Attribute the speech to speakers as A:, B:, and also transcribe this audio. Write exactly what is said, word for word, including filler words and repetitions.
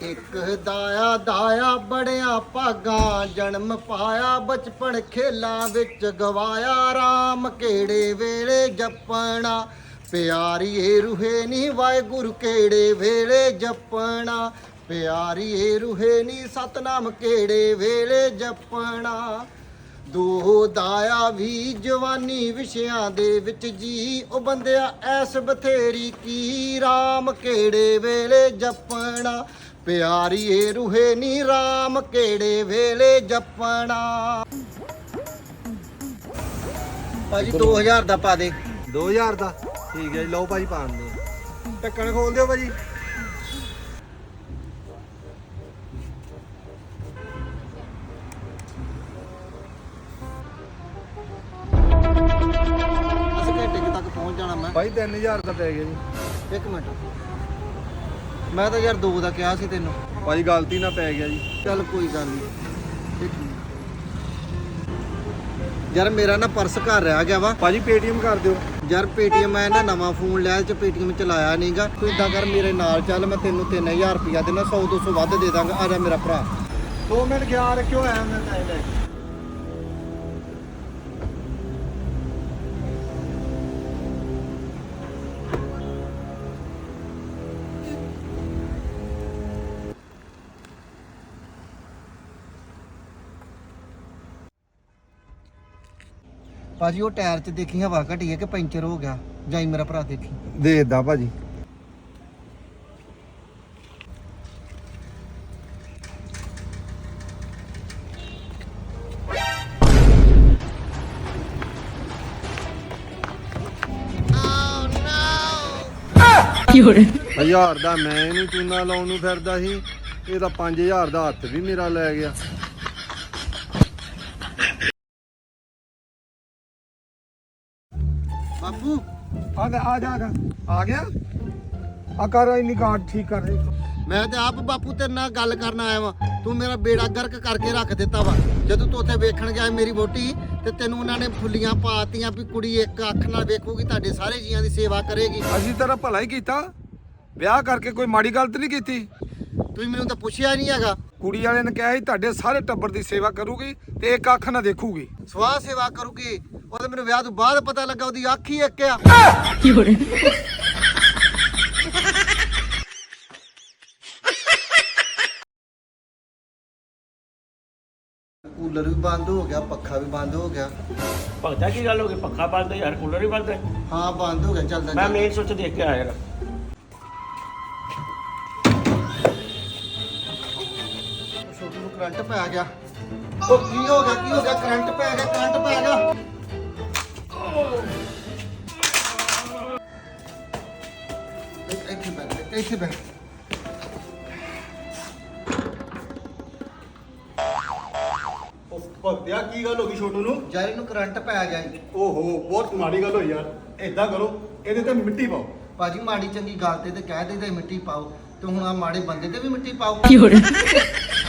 A: ਇੱਕ ਦਾਇਆ ਦਾਇਆ ਬੜਿਆ ਭਾਗਾਂ ਜਨਮ ਪਾਇਆ ਬਚਪਨ ਖੇਲਾਂ ਵਿੱਚ ਗਵਾਇਆ ਰਾਮ ਕਿਹੜੇ ਵੇਲੇ ਜਪਣਾ ਪਿਆਰੀਏ ਰੂਹੇ ਨੀ ਵਾਹਿਗੁਰੂ ਕਿਹੜੇ ਵੇਲੇ ਜਪਣਾ ਪਿਆਰੀਏ ਰੂਹੇ ਨੀ ਸਤਨਾਮ ਕਿਹੜੇ ਵੇਲੇ ਜਪਣਾ ਦੋ ਦਾਇਆ ਵੀ ਜਵਾਨੀ ਵਿਸ਼ਿਆਂ ਦੇ ਵਿੱਚ ਜੀ ਉਹ ਬੰਦਿਆ ਐਸ ਬਥੇਰੀ ਕੀ ਰਾਮ ਕਿਹੜੇ ਵੇਲੇ ਜਪਣਾ ਪਿਆਰੀਏ ਰੂਹੇ ਨੀ ਰਾਮ ਕਿਹੜੇ ਵੇਲੇ ਜਪਣਾ। ਭਾਜੀ ਦੋ ਹਜ਼ਾਰ ਦਾ ਪਾ ਦੇ।
B: ਦੋ ਹਜ਼ਾਰ ਦਾ ਠੀਕ ਹੈ ਜੀ, ਲਓ ਭਾਜੀ ਪਾਣ ਦੇ। ਢੱਕਣ ਖੋਲ ਦਿਓ ਭਾਜੀ।
A: ਅਸੀਂ ਘੰਟੇ ਕੁ ਤੱਕ ਪਹੁੰਚ ਜਾਣਾ ਮੈਂ।
B: ਭਾਈ ਤਿੰਨ ਹਜ਼ਾਰ ਦਾ ਪੈ ਗਿਆ ਜੀ।
A: ਇੱਕ ਮਿੰਟ ਮੈਂ ਤਾਂ ਯਾਰ ਦੋ ਦਾ ਕਿਹਾ ਸੀ ਤੈਨੂੰ।
B: ਭਾਜੀ ਗਲਤੀ ਨਾਲ ਪੈ ਗਿਆ ਜੀ।
A: ਚੱਲ ਕੋਈ ਗੱਲ ਨਹੀਂ ਇਹ ਠੀਕ। ਯਾਰ ਮੇਰਾ ਨਾ ਪਰਸ ਘਰ ਰਹਿ ਗਿਆ ਵਾ।
B: ਭਾਜੀ ਪੇਟੀਐਮ ਕਰ ਦਿਓ।
A: ਯਾਰ ਪੇਟੀਐਮ ਮੈਂ ਨਾ ਨਵਾਂ ਫੋਨ ਲਿਆ ਚ ਪੇਟੀਐਮ ਚਲਾਇਆ ਨਹੀਂਗਾ। ਤੂੰ ਇਦਾਂ ਕਰ ਮੇਰੇ ਨਾਲ ਚੱਲ ਮੈਂ ਤੈਨੂੰ ਤਿੰਨ ਹਜ਼ਾਰ ਰੁਪਇਆ ਦੇਣਾ ਸੌ ਦੋ ਸੌ ਵੱਧ ਦੇ ਦਾਂਗਾ। ਆ ਜਾ ਮੇਰਾ ਭਰਾ।
B: ਦੋ ਮਿੰਟ ਖਿਆਲ ਰੱਖਿਓ ਆਇਆ ਮੈਂ ਟਾਈਮ ਲੈ ਕੇ।
A: ਭਾਜੀ ਉਹ ਟਾਇਰ 'ਚ ਦੇਖੀ ਹਵਾ ਘਟੀ ਹੈ ਕਿ ਪੈਂਚਰ ਹੋ ਗਿਆ। ਜਾਈ ਮੇਰਾ ਭਰਾ ਦੇਖੀ।
B: ਦੇ ਦਾ ਭਾਜੀ। ਹਜ਼ਾਰ ਦਾ ਮੈਂ ਇਹਨੂੰ ਚੂਨਾ ਲਾਉਣ ਨੂੰ ਫਿਰਦਾ ਸੀ, ਇਹ ਤਾਂ ਪੰਜ ਹਜ਼ਾਰ ਦਾ ਹੱਥ ਵੀ ਮੇਰਾ ਲੈ ਗਿਆ।
A: ਬਾਪੂ
B: ਆ ਜਾ ਆ ਜਾ ਆ ਗਿਆ। ਆ ਕਰ ਇੰਨੀ ਕਾਰਡ ਠੀਕ ਕਰ ਰਹੀ।
A: ਮੈਂ ਤੇ ਆਪ ਬਾਪੂ ਤੇਰੇ ਨਾਲ ਗੱਲ ਕਰਨ ਆਇਆ ਵਾਂ। ਤੂੰ ਮੇਰਾ ਬੇੜਾ ਗਰਕ ਕਰਕੇ ਰੱਖ ਦਿੱਤਾ ਵਾ। ਜਦੋਂ ਤੂੰ ਉੱਥੇ ਵੇਖਣ ਗਿਆ ਮੇਰੀ ਵੋਟੀ ਤੇ ਤੈਨੂੰ ਉਹਨਾਂ ਨੇ ਫੁੱਲੀਆਂ ਪਾਤੀਆਂ ਵੀ ਕੁੜੀ ਇੱਕ ਅੱਖ ਨਾਲ ਵੇਖੂਗੀ ਤੁਹਾਡੇ ਸਾਰੇ ਜੀਆਂ ਦੀ ਸੇਵਾ ਕਰੇਗੀ।
B: ਅਸੀਂ ਤੇਰਾ ਭਲਾ ਹੀ ਕੀਤਾ, ਵਿਆਹ ਕਰਕੇ ਕੋਈ ਮਾੜੀ ਗਲਤ ਨਹੀਂ ਕੀਤੀ।
A: ਤੁਸੀਂ ਮੈਨੂੰ ਤਾਂ ਪੁੱਛਿਆ ਨਹੀਂ ਹੈਗਾ।
B: ਕੁੜੀ ਵਾਲੇ ਨੇ ਕਿਹਾ ਸੀ ਤੁਹਾਡੇ ਸਾਰੇ ਟੱਬਰ ਦੀ ਸੇਵਾ ਕਰੂਗੀ ਤੇ ਇੱਕ ਅੱਖ ਨਾਲ ਦੇਖੂਗੀ।
A: ਸਵਾਹ ਸੇਵਾ ਕਰੂਗੀ। ਉਹ ਤਾਂ ਮੈਨੂੰ ਵਿਆਹ ਤੋਂ ਬਾਅਦ ਪਤਾ ਲੱਗਾ ਉਹਦੀ ਅੱਖ ਹੀ ਇੱਕ ਆ। ਕੂਲਰ ਵੀ ਬੰਦ ਹੋ ਗਿਆ, ਪੱਖਾ ਵੀ ਬੰਦ ਹੋ ਗਿਆ।
C: ਭਗਤਾ ਕੀ ਗੱਲ ਹੋ ਗਈ? ਪੱਖਾ ਬੰਦ ਹੈ ਯਾਰ, ਕੂਲਰ ਹੀ ਬੰਦ ਹੈ।
A: ਹਾਂ ਬੰਦ ਹੋ ਗਿਆ। ਚੱਲਦਾ
C: ਮੈਂ ਮੇਨ ਸੁੱਚ ਦੇਖ ਕੇ ਆਇਆ ਯਾਰ।
A: ਛੋਟੂ ਨੂੰ ਕਰੰਟ ਪੈ ਗਿਆ। ਉਹ ਕੀ ਹੋ ਗਿਆ? ਕੀ ਹੋ ਗਿਆ? ਕਰੰਟ ਪੈ ਗਿਆ। ਕਰੰਟ ਪੈ ਗਿਆ। ਇੱਥੇ ਬੈਠ ਇੱਥੇ ਬੈਠ।
D: ਭਗਤਿਆ ਕੀ ਗੱਲ ਹੋ ਗਈ ਛੋਟੂ ਨੂੰ?
A: ਯਾਰ ਇਹਨੂੰ ਕਰੰਟ ਪੈ ਗਿਆ ਜੀ।
D: ਓਹੋ ਬਹੁਤ ਮਾੜੀ ਗੱਲ ਹੋਈ ਯਾਰ। ਏਦਾਂ ਕਰੋ ਇਹਦੇ ਤੇ ਮਿੱਟੀ ਪਾਓ।
A: ਭਾਜੀ ਮਾੜੀ ਚੰਗੀ ਗੱਲ ਤੇ ਤੇ ਕਹਿ ਦੇ ਤੇ ਮਿੱਟੀ ਪਾਓ ਤੇ ਹੁਣ ਆ ਮਾੜੇ ਬੰਦੇ ਤੇ ਵੀ ਮਿੱਟੀ ਪਾਓ।